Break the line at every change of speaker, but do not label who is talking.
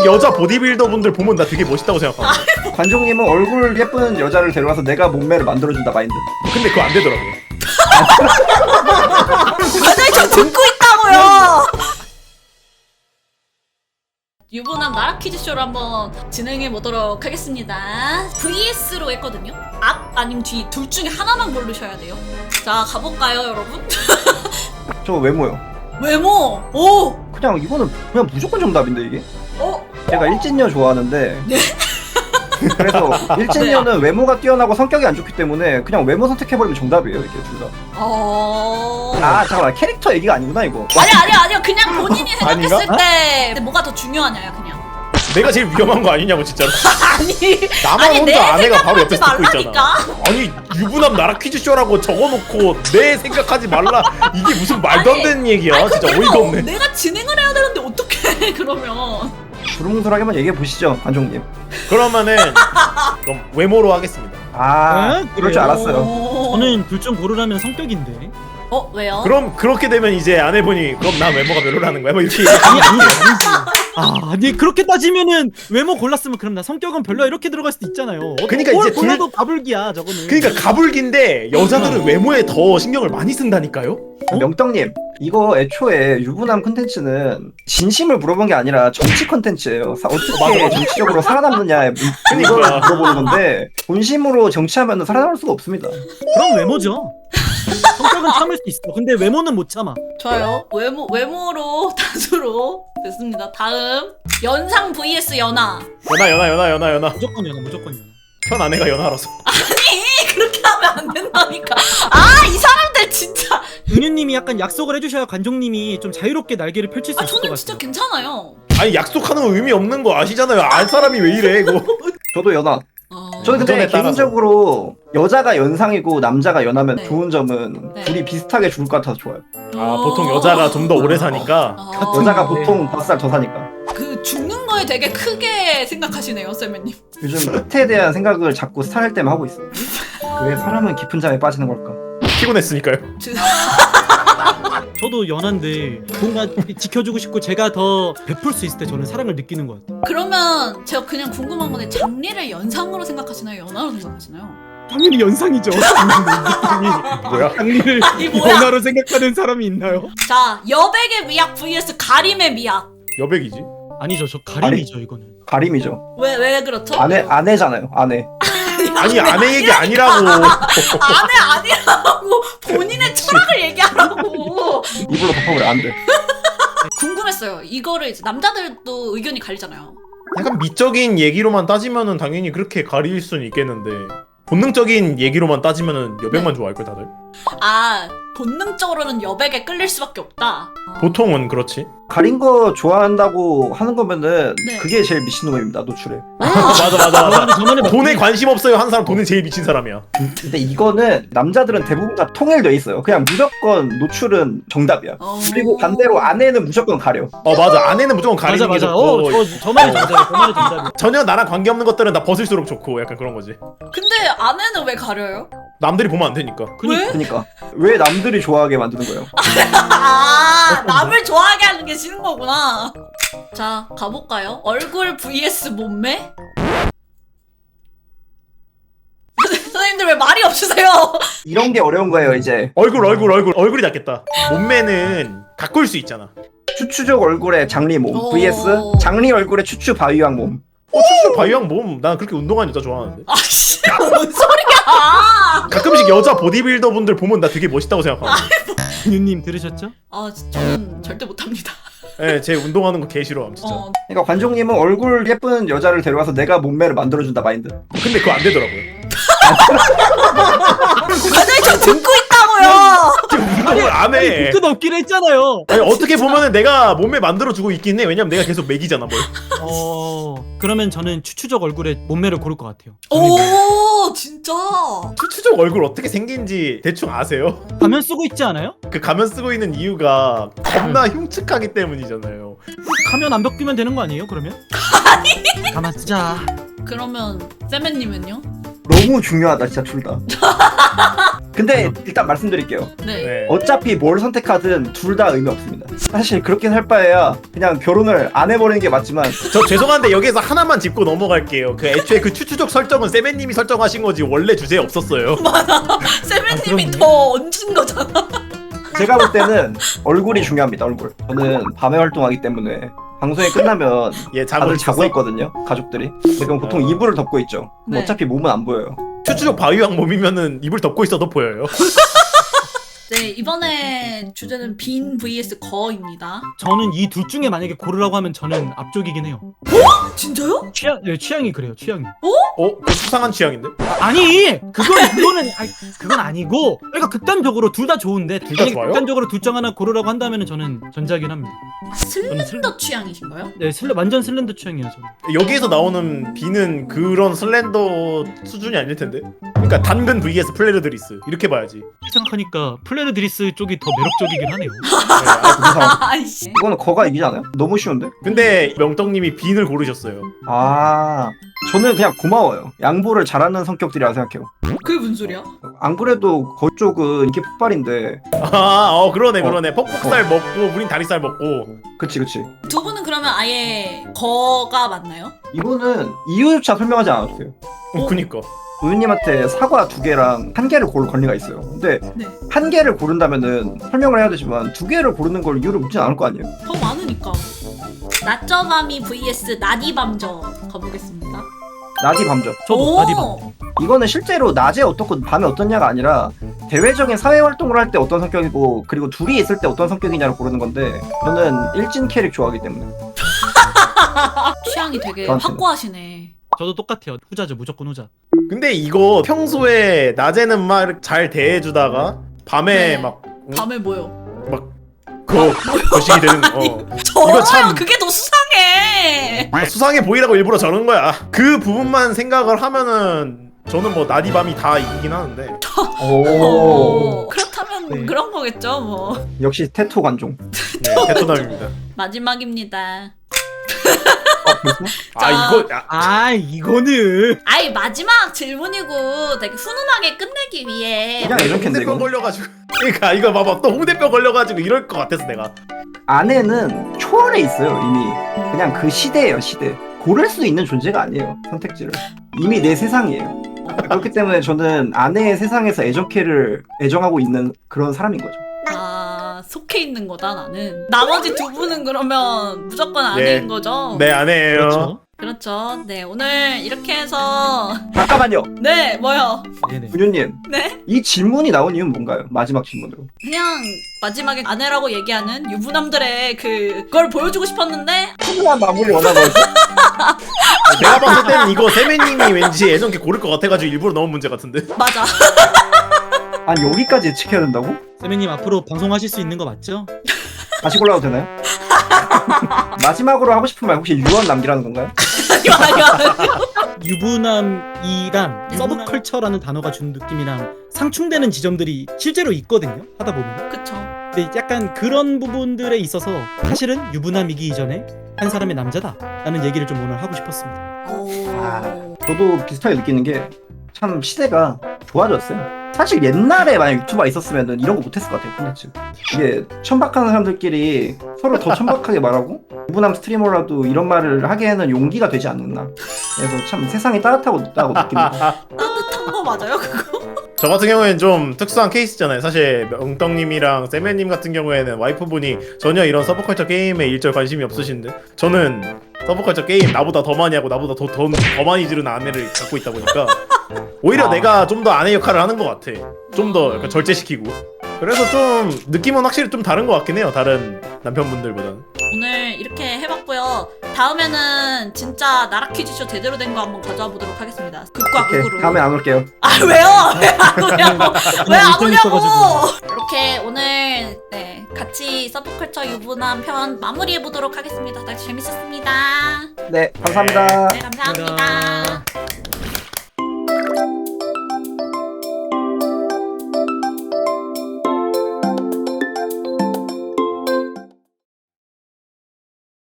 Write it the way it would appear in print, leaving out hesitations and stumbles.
여자 보디빌더 분들 보면 나 되게 멋있다고 생각하고.
관종님은 얼굴 예쁜 여자를 데려와서 내가 몸매를 만들어준다 마인드.
근데 그거 안 되더라고요.
과장님 저 듣고 있다고요. 유부남 나라 퀴즈쇼를 한번 진행해 보도록 하겠습니다. VS로 했거든요. 앞 아니면 뒤 둘 중에 하나만 고르셔야 돼요. 자 가볼까요 여러분?
저 외모요.
외모. 오.
그냥 이거는 그냥 무조건 정답인데 이게. 제가 일진녀 좋아하는데.
네?
그래서 일진녀는 외모가 뛰어나고 성격이 안 좋기 때문에 그냥 외모 선택해버리면 정답이에요 이게 둘 다. 아 잠깐만 캐릭터 얘기가 아니구나 이거.
아니요 그냥 본인이 생각했을
아닌가?
때 뭐가 더 중요하냐요 그냥.
내가 제일 위험한 거 아니냐고 진짜로.
아니
나만
아니, 내
혼자 아내가 바로 옆에
생각하지
듣고 있잖아.
말라니까.
아니 유부남 나라 퀴즈쇼라고 적어놓고 내 생각하지 말라. 이게 무슨 말도 안 되는 얘기야.
아니,
진짜
내가,
어이가 없네.
내가 진행을 해야 되는데 어떡해 그러면.
두루뭉술하게만 얘기해 보시죠 관종님.
그러면은 그럼 외모로 하겠습니다.
아
에?
그럴 줄
그래요?
알았어요.
저는 둘 중 고르라면 성격인데.
왜요?
그럼 그렇게 되면 이제 아내분이 그럼 난 외모가 별로라는 거야? 뭐 이렇게
아니지. 아니 그렇게 따지면은 외모 골랐으면 그럼 나 성격은 별로야 이렇게 들어갈 수도 있잖아요.
그러니까
뭘
이제 둘-
골라도 가불기야 저거는.
그러니까 가불기인데 여자들은 외모에 더 신경을 많이 쓴다니까요?
명떡님 이거 애초에 유부남 콘텐츠는 진심을 물어본 게 아니라 정치 콘텐츠예요. 어떻게 정치적으로 살아남느냐 이걸
그러니까.
물어보는 건데 본심으로 정치하면 살아남을 수가 없습니다.
그럼 외모죠. 성격은 참을 수 있어. 근데 외모는 못 참아.
좋아요. 외모로 다수로 됐습니다. 다음 연상 vs 연하.
연하
무조건 연하 무조건 연하.
현 아내가 연하라서.
아니 그렇게 하면 안 된다니까. 이 사람들 진짜.
은유님이 약간 약속을 해주셔야 관종님이 좀 자유롭게 날개를 펼칠 수 있을 것
저는
같아요.
진짜 괜찮아요.
아니 약속하는 거 의미 없는 거 아시잖아요. 알 사람이 왜 이래 이거.
저도 연하. 저는 근데
운전에 따라서.
개인적으로 여자가 연상이고 남자가 연하면
네.
좋은 점은
네.
둘이 비슷하게 죽을 것 같아서 좋아요.
보통 여자가 좀 더 오래 사니까.
여자가
네.
보통 5살 더 사니까.
그 죽는 거에 되게 크게 생각하시네요, 쌤님.
요즘 끝에 대한 생각을 자꾸 살 때만 하고 있어요. 왜 사람은 깊은 잠에 빠지는 걸까?
피곤했으니까요.
저도 연한데 뭔가 지켜주고 싶고 제가 더 베풀 수 있을 때 저는 사랑을 느끼는 것 같아요.
그러면 제가 그냥 궁금한 건데 장리를 연상으로 생각하시나요, 연하로 생각하시나요?
당연히 연상이죠.
뭐야?
장리를
이 뭐야?
연하로 생각하는 사람이 있나요?
자, 여백의 미학 vs 가림의 미학.
여백이지.
아니죠. 저 가림이죠 이거는.
가림이죠.
왜 그렇죠?
아내잖아요. 아내.
아니 아내 얘기 아니라고.
아내 아니라고 본인의 철학을 얘기하라고.
이불로 덮어버려 안 돼.
궁금했어요. 이거를 이제 남자들도 의견이 갈리잖아요.
약간 미적인 얘기로만 따지면은 당연히 그렇게 가릴 수는 있겠는데 본능적인 얘기로만 따지면은 여백만 좋아할 걸 다들.
본능적으로는 여백에 끌릴 수밖에 없다.
보통은 그렇지.
가린 거 좋아한다고 하는 거면은
네.
그게 제일 미친놈입니다. 노출에.
맞아.
저만의
돈에 관심 없어요 한 사람 돈에 제일 미친 사람이야.
근데 이거는 남자들은 대부분 다 통일돼 있어요. 그냥 무조건 노출은 정답이야. 그리고 반대로 아내는 무조건 가려.
맞아 아내는 무조건 가리는 게
맞아.
좋고
저 말이 정답이야. 저 말이 정답이야.
전혀 나랑 관계없는 것들은 다 벗을수록 좋고 약간 그런 거지.
근데 아내는 왜 가려요?
남들이 보면 안 되니까.
왜?
그러니까 왜 남들이 좋아하게 만드는 거예요?
남을 좋아하게 하는 게 싫은 거구나. 자, 가볼까요? 얼굴 vs 몸매? 선생님들 왜 말이 없으세요?
이런 게 어려운 거예요 이제.
얼굴이 낫겠다. 몸매는 가꿀 수 있잖아.
추추족 얼굴에 장리 몸
오.
vs 장리 얼굴에 추추 바위왕 몸.
추추 바이왕 몸. 난 그렇게 운동하는 여자 좋아하는데.
아씨, 뭔 소리야?
가끔씩 여자 보디빌더 분들 보면 나 되게 멋있다고 생각하고.
은유님 들으셨죠?
저는 절대 못합니다.
예, 제 운동하는 거 개 싫어함 진짜.
그러니까 관종님은 얼굴 예쁜 여자를 데려와서 내가 몸매를 만들어준다 마인드.
근데 그거 안 되더라고요.
과장님 저 듣고 있다고요.
지금 운동을 안 해.
끝 없긴 했잖아요.
아니, 어떻게 보면은 내가 몸매 만들어주고 있긴 해. 왜냐면 내가 계속 먹이잖아 뭘.
그러면 저는 추추적 얼굴에 몸매를 고를 것 같아요.
오, 진짜.
추추적 얼굴 어떻게 생긴지 대충 아세요?
가면 쓰고 있지 않아요?
그 가면 쓰고 있는 이유가 겁나 흉측하기 때문이잖아요.
가면 안 벗기면 되는 거 아니에요? 그러면? 아니. 가만 쓰자.
그러면 세멘님은요?
너무 중요하다 진짜 둘 다. 근데 일단 말씀드릴게요.
네.
네.
어차피 뭘 선택하든 둘 다 의미 없습니다. 사실 그렇게 살 바에야 그냥 결혼을 안 해버리는 게 맞지만
저 죄송한데 여기서 하나만 짚고 넘어갈게요. 그 애초에 그 추추족 설정은 세벤님이 설정하신 거지 원래 주제에 없었어요.
세븐님이
그럼요.
더 얹은 거잖아.
제가 볼 때는 얼굴이 중요합니다. 얼굴. 저는 밤에 활동하기 때문에 방송이 끝나면
예,
다들 자고
있었어?
있거든요. 가족들이. 근데 그럼 보통 이불을 덮고 있죠. 그럼
네.
어차피 몸은 안 보여요.
추추족 바위왕 몸이면은 이불 덮고 있어도 보여요.
네, 이번에 주제는 빈 vs 거입니다.
저는 이 둘 중에 만약에 고르라고 하면 저는 앞쪽이긴 해요.
진짜요?
취향이 그래요. 취향이.
그 수상한 취향인데?
아니 그거는 그건 아니고 그러니까 극단적으로 둘 다 좋은데
둘다
만약에
좋아요?
극단적으로 둘 중 하나 고르라고 한다면 저는 전자긴 합니다.
슬렌더 취향이신가요?
네 완전 슬렌더 취향이에요 저는.
여기에서 나오는 비는 그런 슬렌더 수준이 아닐 텐데. 그러니까 당근 vs 플레르드리스 이렇게 봐야지.
생각하니까 플레르드리스 쪽이 더 매력적이긴 하네요.
아이씨.
이거는 거가 이기지 않아요? 너무 쉬운데?
근데 명떡님이 빈을 고르셨어요.
아, 저는 그냥 고마워요. 양보를 잘하는 성격들이라 생각해요.
그게 무슨 소리야?
안 그래도 거 쪽은 인기 폭발인데.
그러네. 퍽퍽살 먹고 우린 다리살 먹고.
그치.
두 분은 그러면 아예 거가 맞나요?
이거는 이유조차 설명하지 않았어요.
그니까.
우유님한테 사과 2개랑 1개를 고를 권리가 있어요. 근데
네.
1개를 고른다면은 설명을 해야 되지만 2개를 고르는 걸 이유를 묻진 않을 거 아니에요?
더 많으니까. 낮저밤이 vs 나디밤저 가보겠습니다.
낮이 밤죠.
저도 나디밤.
이거는 실제로 낮에 어떻고 밤에 어떻냐가 아니라 대외적인 사회 활동을 할 때 어떤 성격이고 그리고 둘이 있을 때 어떤 성격이냐를 고르는 건데 저는 일진 캐릭 좋아하기 때문에.
취향이 되게
저한테는.
확고하시네.
저도 똑같아요. 후자죠 무조건 후자.
근데 이거 평소에 낮에는 막 잘 대해주다가 밤에
네.
막
밤에 뭐요?
거식이 되는 거.
저요?
참-
그게 더 수상해.
수상해 보이라고 일부러 저런 거야. 그 부분만 생각을 하면은 저는 뭐 낮이 밤이 다 이기긴 하는데.
오.
그렇다면
네.
그런 거겠죠 뭐.
역시 테토 관종.
네, 베트남입니다.
마지막입니다.
이거는
아이 마지막 질문이고 되게 훈훈하게 끝내기 위해
그냥 예전캔데
홍대병
이거.
걸려가지고. 그러니까 이거 봐봐 또 홍대병 걸려가지고 이럴 것 같아서 내가.
아내는 초월해 있어요 이미. 그냥 그 시대예요 시대. 고를 수 있는 존재가 아니에요 선택지를. 이미 내 세상이에요. 그렇기 때문에 저는 아내의 세상에서 애정캐를 애정하고 있는 그런 사람인 거죠.
속해 있는 거다 나는. 나머지 두 분은 그러면 무조건 아닌
네.
거죠?
네 아내예요.
그렇죠.
그렇죠. 네 오늘 이렇게 해서
잠깐만요.
네 뭐요?
네네.
분유님
네
이 질문이 나온 이유는 뭔가요? 마지막 질문으로.
그냥 마지막에 아내라고 얘기하는 유부남들의 그걸 보여주고 싶었는데
훈훈한 마무리 원하는 거죠.
내가 봤을 때는 이거 세매님이 왠지 예전께 고를 것 같아가지고 일부러 넣은 문제 같은데.
맞아.
아니 여기까지 예측해야 된다고?
세미님 앞으로 방송하실 수 있는 거 맞죠?
다시 골라도 되나요? 마지막으로 하고 싶은 말 혹시 유언 남기라는 건가요?
아니요.
유부남이랑 서브컬처라는 단어가 준 느낌이랑 상충되는 지점들이 실제로 있거든요. 하다 보면.
그쵸.
근데 약간 그런 부분들에 있어서 사실은 유부남이기 이전에 한 사람의 남자다라는 얘기를 좀 오늘 하고 싶었습니다.
오.
저도 비슷하게 느끼는 게 참 시대가 좋아졌어요. 사실 옛날에 만약 유튜버가 있었으면 이런 거 못했을 것 같아요. 콘텐츠. 이게 천박한 사람들끼리 서로 더 천박하게 말하고 유부남 스트리머라도 이런 말을 하기에는 용기가 되지 않았나. 그래서 참 세상이 따뜻하고 있다고 느낍니다.
따뜻한 거 맞아요 그거?
저 같은 경우에는 좀 특수한 케이스잖아요. 사실 명떡님이랑 세매님 같은 경우에는 와이프분이 전혀 이런 서브컬처 게임에 일절 관심이 없으신데 저는 서브컬처 게임 나보다 더 많이 하고 나보다 더 많이 지르는 아내를 갖고 있다 보니까 오히려 내가 좀 더 아내 역할을 하는 것 같아. 좀 더 약간 절제시키고. 그래서 좀 느낌은 확실히 좀 다른 것 같긴 해요. 다른 남편분들보다는.
오늘 이렇게 해봤고요. 다음에는 진짜 나라 퀴즈쇼 제대로 된 거 한번 가져와 보도록 하겠습니다. 극과
오케이,
극으로.
다음에 안 올게요.
아 왜요? 왜 안 오냐고? 왜 안
일정
오냐고?
있어가지고.
이렇게 오늘 네 같이 서브컬처 유부남 편 마무리해 보도록 하겠습니다. 다들 재밌었습니다.
네, 감사합니다.
네 감사합니다.